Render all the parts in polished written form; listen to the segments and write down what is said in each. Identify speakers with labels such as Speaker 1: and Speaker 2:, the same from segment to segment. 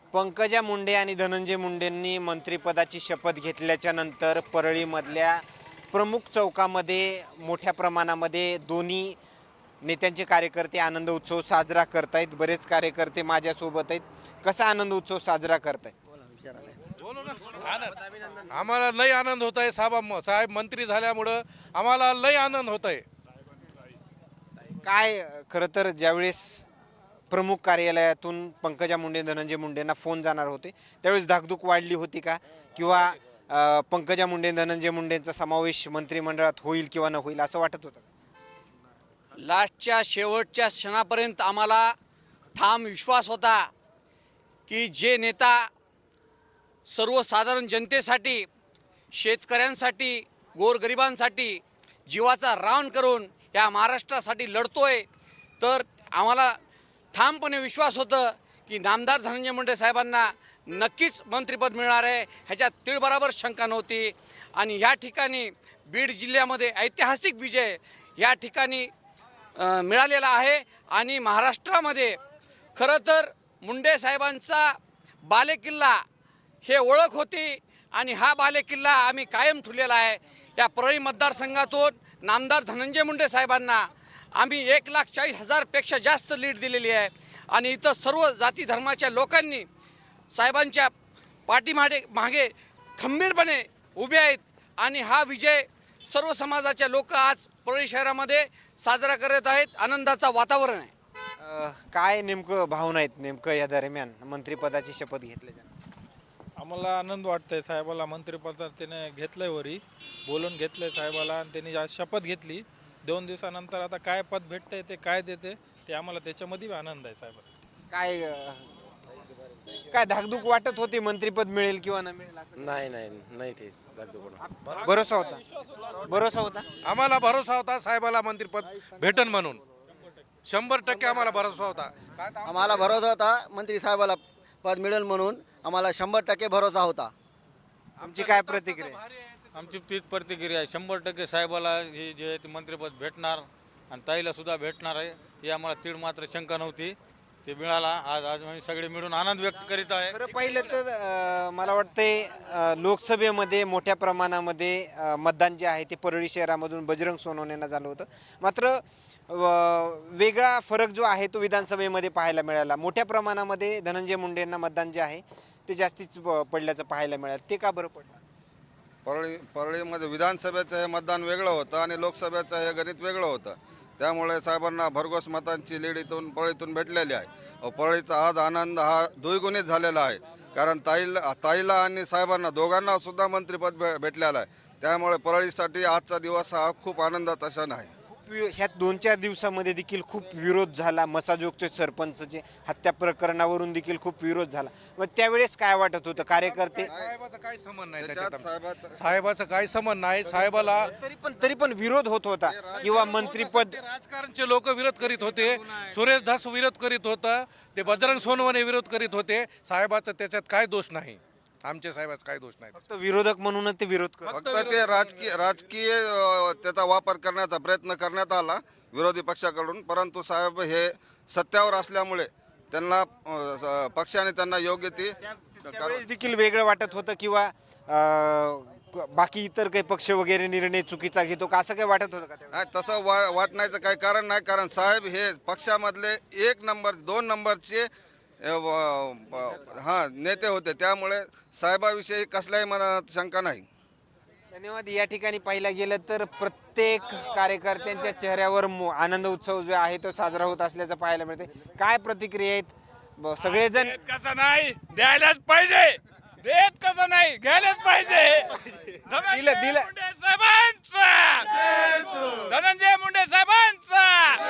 Speaker 1: पंकजा मुंडे आणि धनंजय मुंडेंनी मंत्रिपदाची शपथ घेतल्याच्या नंतर परळीमधल्या प्रमुख चौकामध्ये मोठ्या प्रमाणामध्ये दोन्ही नेत्यांचे कार्यकर्ते आनंद उत्सव साजरा करतायत। बरेच कार्यकर्ते माझ्यासोबत आहेत। कसा आनंद उत्सव साजरा करतायत?
Speaker 2: आम्हाला लय आनंद होत आहे। साहेब मंत्री झाल्यामुळं आम्हाला लय आनंद होत आहे।
Speaker 1: काय खरं तर ज्यावेळेस प्रमुख कार्यालयातून पंकजा मुंडे धनंजय मुंडेंना फोन जाणार होते त्यावेळेस धाकधूक वाढली होती का, किंवा पंकजा मुंडे धनंजय मुंडेंचा समावेश मंत्रिमंडळात होईल किंवा न होईल असं वाटत होतं?
Speaker 3: लास्टच्या शेवटच्या क्षणापर्यंत आम्हाला ठाम विश्वास होता की जे नेता सर्वसाधारण जनतेसाठी, शेतकऱ्यांसाठी, गोरगरिबांसाठी जीवाचा रान करून या महाराष्ट्रासाठी लढतोय, तर आम्हाला ठामपणे विश्वास होतं की नामदार धनंजय मुंडे साहेबांना नक्कीच मंत्रिपद मिळणार आहे, ह्याच्यात तीळबराबर शंका नव्हती। आणि या ठिकाणी बीड जिल्ह्यामध्ये ऐतिहासिक विजय या ठिकाणी मिळालेला आहे। आणि महाराष्ट्रामध्ये खरं तर मुंडे साहेबांचा बालेकिल्ला हे ओळख होती आणि हा बालेकिल्ला आम्ही कायम ठेवलेला आहे। या परळी मतदारसंघातून नामदार धनंजय मुंडे साहेबांना आम्ही 1,40,000 पेक्षा जास्त लीड दिलेली आहे। आणि इथं सर्व जाती धर्माच्या लोकांनी साहेबांच्या पाठीमागे खंबीरपणे उभे आहेत आणि हा विजय सर्व समाजाच्या लोक आज परळी शहरामध्ये साजरा करत आहेत। आनंदाचा वातावरण आहे।
Speaker 1: काय नेमकं भावना आहेत नेमकं या दरम्यान मंत्रिपदाची शपथ घेतल्याच्या?
Speaker 2: आम्हाला आनंद वाटतंय। साहेबाला मंत्रिपद त्याने घेतलंय, वरी बोलून घेतलंय साहेबाला, आणि त्यांनी आज शपथ घेतली। 2 दिवसानंतर आता काय पद भेटतंय, ते काय देते ते आम्हाला त्याच्यामध्ये आनंद आहे साहेबासाठी।
Speaker 1: काय धाकधूक वाटत होती मंत्रिपद मिळेल किंवा न मिळेल असं?
Speaker 4: नाही ते
Speaker 1: भरोसा होता?
Speaker 2: आम्हाला भरोसा होता साहेबाला मंत्रिपद भेटन म्हणून। 100% आम्हाला भरोसा होता।
Speaker 5: आम्हाला भरोसा होता मंत्री साहेबाला पद मिळेल म्हणून, आम्हाला 100% भरोसा होता।
Speaker 1: आमची काय प्रतिक्रिया?
Speaker 6: आमची तीच प्रतिक्रिया आहे। 100% साहेबाला हे जे ते मंत्रिपद भेटणार आणि ताईला सुद्धा भेटणार आहे, ही आम्हाला तीळ मात्र शंका नव्हती। ते मिळाला। आज आम्ही सगळे मिळून आनंद व्यक्त करीत आहे।
Speaker 1: बरं, पहिलं तर मला वाटतंय लोकसभेमध्ये मोठ्या प्रमाणामध्ये मतदान जे आहे ते परळी शहरामधून बजरंग सोनवणेंना झालं होतं। मात्र वेगळा फरक जो आहे तो विधानसभेमध्ये पाहायला मिळाला। मोठ्या प्रमाणामध्ये धनंजय मुंडेंना मतदान जे आहे ते जास्तीच पडल्याचं पाहायला मिळालं। ते का बरं पडलं?
Speaker 7: परळीमध्ये विधानसभेचं हे मतदान वेगळं होतं आणि लोकसभेचं हे गणित वेगळं होतं। त्यामुळे साहेबांना भरघोस मतांची लीड परळीतून भेटलेली आहे। परळीचा आज आनंद हा द्विगुणित झालेला आहे, कारण ताईला आणि साहेबांना दोघांना सुद्धा मंत्रिपद भेटलेलं आहे। त्यामुळे परळीसाठी आजचा दिवस हा खूप आनंदाचा क्षण आहे।
Speaker 1: ह्या 2-4 दिवसामध्ये देखील खूप विरोध झाला। मसाजोगचे सरपंचचे हत्या प्रकरणावरून देखील खूप विरोध झाला। मग त्यावेळेस काय वाटत होतं? कार्यकर्ते
Speaker 2: साहेबाचा काही संबंध नाही
Speaker 7: त्याच्यात
Speaker 2: त्याच्यात, साहेबाचा काही संबंध नाही। साहेबाला
Speaker 1: तरी पण विरोध होत होता, किंवा मंत्रिपद
Speaker 2: राजकारणचे लोक विरोध करीत होते। सुरेश धस विरोध करीत होता, ते बजरंग सोनवणे विरोध करीत होते। साहेबाचा त्याच्यात काय दोष नाही, आमच्या साहेबाचा काय दोष नाही।
Speaker 1: फक्त विरोधक म्हणूनच ते विरोध करत.
Speaker 7: फक्त ते राजकीय त्याचा वापर करण्याचा प्रयत्न करण्यात आला विरोधी पक्षाकडून, परंतु साहेब हे सत्यावर असल्यामुळे त्यांना पक्षाने त्यांना योग्य ती
Speaker 1: त्यावेळेस देखील वेगळं वाटत होतं, किंवा बाकी इतर काही पक्ष वगैरे निर्णय चुकीचा घेतो का असं काही वाटत होतं का त्यावेळेस?
Speaker 7: नाही, तसं वाटण्याचं काही कारण नाही, कारण साहेब हे पक्षामधले 1 नंबर 2 नंबरचे नेते होते। त्यामुळे साहेबाविषयी कसल्याही मनात शंका नाही।
Speaker 1: धन्यवाद। या ठिकाणी पाहिलं गेलं तर प्रत्येक कार्यकर्त्यांच्या चेहऱ्यावर आनंद उत्सव जो आहे तो साजरा होत असल्याचं पाहायला मिळते। काय प्रतिक्रिया आहेत? सगळेजण
Speaker 2: कसं नाही द्यायलाच पाहिजे, देत कसं नाही घ्यायलाच पाहिजे।
Speaker 1: दिलं
Speaker 2: धनंजय मुंडे साहेबांचा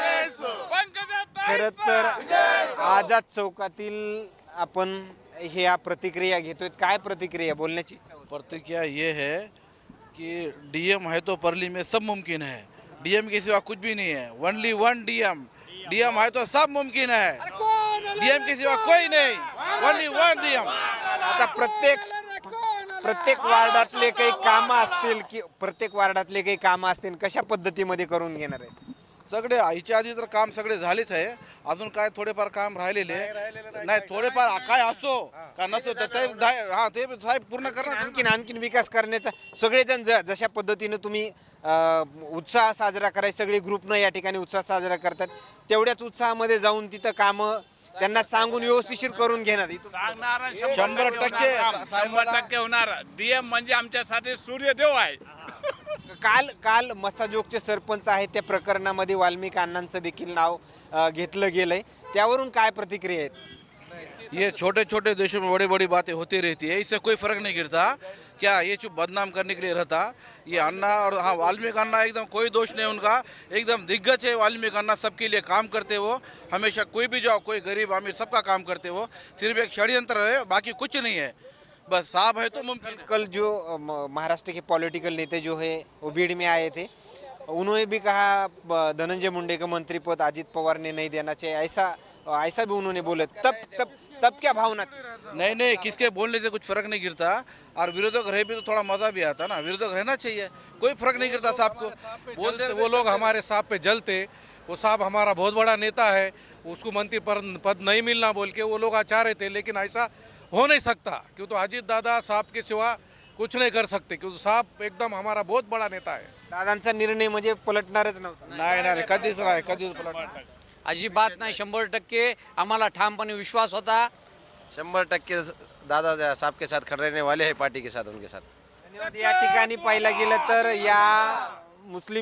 Speaker 1: खरं तर आझाद चौकातील आपण ह्या प्रतिक्रिया घेतोय। काय प्रतिक्रिया बोलण्याची इच्छा होती?
Speaker 4: प्रतिक्रिया ये है कि डीएम है तो परली में सब मुमकिन है। डीएम के सिवा कुछ भी नहीं है, ओनली वन डीएम। डीएम है तो सब मुमकिन है, डीएम के सिवा कोई नहीं, ओनली वन डीएम।
Speaker 1: आता प्रत्येक वार्डातले काही कामं असतील, की प्रत्येक वार्डातले काही कामं असतील कशा पद्धतीमध्ये करून घेणार आहेत?
Speaker 4: सगळे ह्याच्या आधी तर काम सगळे झालेच आहे, अजून काय थोडेफार काम राहिलेले नाही, थोडेफार काय असो का नसतो तर ते ते साहेब पूर्ण करणार.
Speaker 1: आणखीन विकास करण्याचा सगळेजण जशा पद्धतीनं तुम्ही उत्साह साजरा करायचा, सगळे ग्रुपनं या ठिकाणी उत्साह साजरा करतात, तेवढ्याच उत्साहामध्ये जाऊन तिथं कामं त्यांना सांगून व्यवस्थिशीर करून घेणार.
Speaker 4: 100%
Speaker 8: होणार. डीएम म्हणजे आमच्यासाठी सूर्यदेव आहे.
Speaker 1: काल मसाजोगचे सरपंच आहेत त्या प्रकरणामध्ये वाल्मिक अण्णांचं देखील नाव घेतलं गेलंय, त्यावरून काय प्रतिक्रिया आहेत?
Speaker 4: ये छोटे छोटे देशों में बड़ी बड़ी बातें होती रहती है, इससे कोई फर्क नहीं गिरता. क्या ये चुप बदनाम करने के लिए रहता ये अन्ना. और हाँ, वाल्मीकि अन्ना एकदम कोई दोष नहीं उनका, एकदम दिग्गज है वाल्मीकि अन्ना, सबके लिए काम करते वो हमेशा. कोई भी जाओ, कोई गरीब अमीर सबका काम करते वो. सिर्फ एक षड्यंत्र है, बाकी कुछ नहीं है. बस साहब है तो मुमकिन है.
Speaker 1: कल जो महाराष्ट्र के पॉलिटिकल नेता जो है वो भीड़ में आए थे, उन्होंने भी कहा धनंजय मुंडे का मंत्री पद अजित पवार ने नहीं देना चाहिए, ऐसा भी उन्होंने बोला. तब क्या भावना थी?
Speaker 4: नहीं, किसके बोलने से कुछ फर्क नहीं गिरता. और विरोधक रहे भी तो थोड़ा मजा भी आता ना, विरोधक रहना चाहिए, कोई फर्क नहीं गिरता. साहब को बोलते
Speaker 9: वो लोग हमारे साहब पे जलते, वो साहब हमारा बहुत बड़ा नेता है, उसको मंत्री पद नहीं मिलना बोल के वो लोग चाह रहे थे, लेकिन ऐसा हो नहीं सकता क्यों तो अजीत दादा साहब के सिवा कुछ नहीं कर सकते, क्योंकि साहब एकदम हमारा बहुत बड़ा नेता है.
Speaker 1: दादांचा निर्णय म्हणजे पलटणारच नव्हता.
Speaker 4: नाही कधीच नाही, कधीच पलटणार.
Speaker 3: अजिबात नाही. 100% आम्हाला ठामपणे विश्वास होता.
Speaker 10: 100% दादा साहब के साथ खड़े रहने वाले हैं, पार्टी के साथ, उनके साथ.
Speaker 1: धन्यवाद. या ठिकाणी पाहिलं गेलं तर या मुस्लिम